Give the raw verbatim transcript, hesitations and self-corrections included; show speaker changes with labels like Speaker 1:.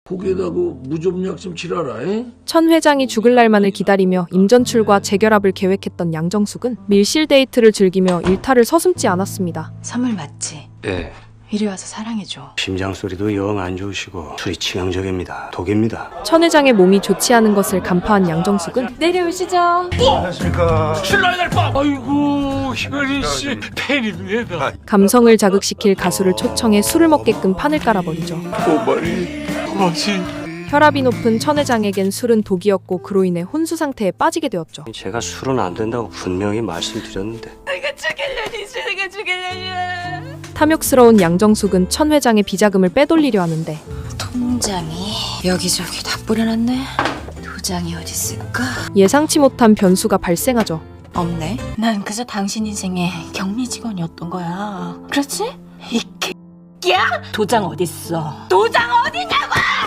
Speaker 1: 거기에다 그 무좀약 좀 칠하라. 에?
Speaker 2: 천 회장이 죽을 날만을 기다리며 임전출과 재결합을 계획했던 양정숙은 밀실 데이트를 즐기며 일탈을 서슴지 않았습니다.
Speaker 3: 선물 맞지?
Speaker 4: 예.
Speaker 3: 이리 와서 사랑해줘.
Speaker 4: 심장 소리도 영 안 좋으시고 술이 치명적입니다. 독입니다.
Speaker 2: 천 회장의 몸이 좋지 않은 것을 간파한 양정숙은
Speaker 3: 내려오시죠.
Speaker 5: 아이고 희건이 씨 팬입니다.
Speaker 2: 감성을 자극시킬 가수를 초청해 술을 먹게끔 판을 깔아버리죠.
Speaker 5: 고마리 고마시.
Speaker 2: 혈압이 높은 천 회장에겐 술은 독이었고 그로 인해 혼수 상태에 빠지게 되었죠.
Speaker 4: 제가 술은 안 된다고 분명히 말씀드렸는데
Speaker 3: 내가 죽일려니 내가 죽일려니.
Speaker 2: 탐욕스러운 양정숙은 천 회장의 비자금을 빼돌리려 하는데
Speaker 3: 통장이 여기저기 다 뿌려놨네. 도장이 어디 있을까?
Speaker 2: 예상치 못한 변수가 발생하죠.
Speaker 3: 없네. 난 그저 당신 인생의 격리 직원이었던 거야. 그렇지? 이 개야? 도장 어딨어? 도장 어디냐고!